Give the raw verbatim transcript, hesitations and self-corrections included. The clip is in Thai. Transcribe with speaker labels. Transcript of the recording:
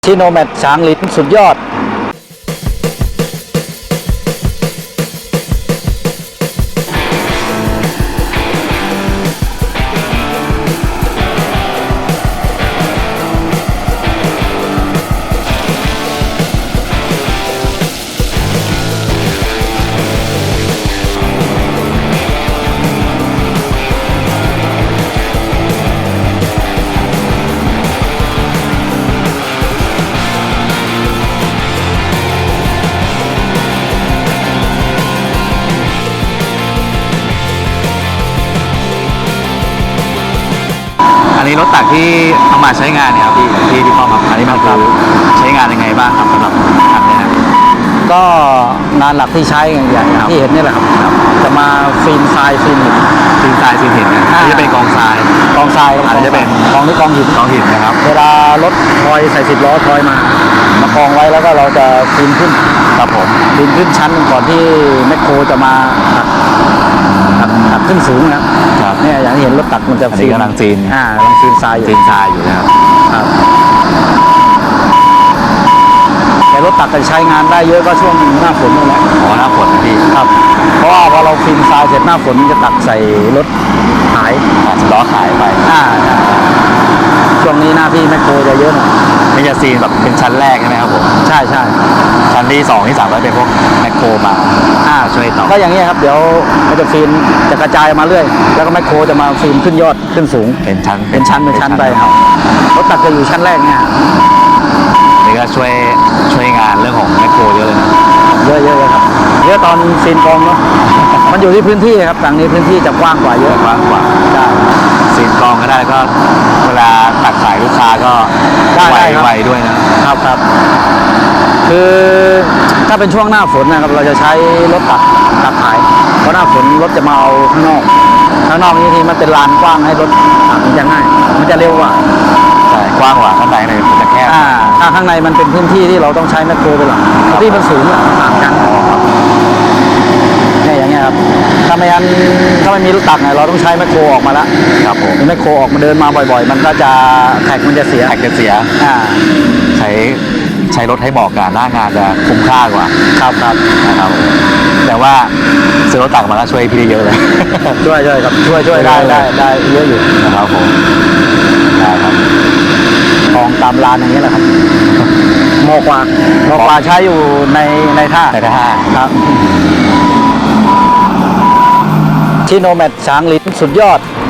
Speaker 1: ชิโนแมตช้างลิ้นสุดยอด
Speaker 2: อันนี้รถตักที่เอามาใช้งานเนี่ยครับพี่ที่ที่เข้ามาอันนี้มันคือใช้งานยังไงบ้างครับสำหรับคันนี้นะ
Speaker 1: ก็งานหลักที่ใช้อย่างอย่างที่เห็นนี่แหละครับจะมาฟินทรายฟินหิน
Speaker 2: ซีนทรายซีนหินนะอันนี้จะเป็นกองทราย
Speaker 1: กองทราย
Speaker 2: อันนี้จะเป็น
Speaker 1: กองนี้กองหิน
Speaker 2: กองหินนะครับ
Speaker 1: เวลารถทอยใส่สิบล้อทอยมามากองไว้แล้วก็เราจะฟินขึ้น
Speaker 2: ครับผม
Speaker 1: ฟินขึ้นชั้นหนึ่งก่อนที่แมคโครจะมาตักตักตักขึ้นสูงนะครับเนี่ยอย่างที่เห็นรถตักมันจะ
Speaker 2: อันนี้กำลังซีน
Speaker 1: อ่ากำลังฟินทรายอยู่
Speaker 2: ซีนทรายอยู่นะครับ
Speaker 1: ครับแต่รถตักจะใช้งานได้เยอะก็ช่วงหน้าฝนนี่แหละ
Speaker 2: อ๋อหน้าฝนนะพี่
Speaker 1: ครับเพราะว่าพอเราฟินทรายเสร็จหน้าฝนจะตักใส่รถขาย
Speaker 2: อาจจะล้อขายไป
Speaker 1: อ่าช่วงนี้หน้าที่แมคโครจะเยอะหน่อย
Speaker 2: ไม่จะซีนแบบเป็นชั้นแรกใช่ไหมครับผม
Speaker 1: ใช่ใช่
Speaker 2: ชั้นที่สองที่สามก็เป็นพวกแมคโครมา
Speaker 1: อ่า
Speaker 2: ช่วยต่อ
Speaker 1: ก็อย่างนี้ครับเดี๋ยวมันจะฟินจะกระจายมาเรื่อยแล้วก็แมคโครจะมาฟินขึ้นยอดขึ้นสูง
Speaker 2: เป็นชั้น
Speaker 1: เป็นชั้นเป็นชั้นไปครับรถตักจะอยู่ชั้นแรกเนี่ย
Speaker 2: นี่ก็ช่วยช่วยงานเรื่องของแมคโครเยอะเลยนะ
Speaker 1: เยอะเยอะครับเยอะตอนฟินกองเนาะมันอยู่ที่พื้นที่ครับฝั่งนี้พื้นที่จะกว้างกว่าเยอะ
Speaker 2: กว้างกว่า
Speaker 1: ใช่
Speaker 2: ซีนกองก็ได้ก็เวลาตักขายลูกค้าก็ไวไวด้วย
Speaker 1: นะครับครับคือถ้าเป็นช่วงหน้าฝนนะครับเราจะใช้รถตักตักขายเพราะหน้าฝนรถจะมาเอาข้างนอกข้างนอกนี้ทีมันเป็นลานกว้างให้รถตักมันจะง่ายมันจะเร็วกว่า
Speaker 2: ใช่กว้างกว่าข้างในเลยมันจะแคบ
Speaker 1: อ่าถ้าข้างในมันเป็นพื้นที่ที่เราต้องใช้แมคโครไปหลังที่มันสูงต่างกันเนี่ยอย่างเงี้ยครับถ้าไม่งั้นถ้าไม่มีรถตักเนี่ยเราต้องใช้แมคโครออกมาแล้ว
Speaker 2: ครับผม
Speaker 1: แมคโครออกมาเดินมาบ่อยๆมันก็จะแท็กมันจะเสีย
Speaker 2: แท็กจะเสีย
Speaker 1: อ่า
Speaker 2: ใช้ใช้รถให้เหมาะกับหน้างานจะคุ้มค่ากว่า
Speaker 1: ครับครับ
Speaker 2: นะครับแต่ว่าซื้อรถตักมาก็ช่วยพี่ได้เยอะเลย
Speaker 1: ช่วยช่วยครับช่วยช่วยได้ได้ได้เยอะอยู่
Speaker 2: นะครับผมได้ครับ
Speaker 1: กองตามลานอย่างนี้แหละครับโมกว่าโมกว่าใช้อยู่ในในท่า
Speaker 2: ในท่า
Speaker 1: ครับชิโนแมตช้างลิ้นสุดยอด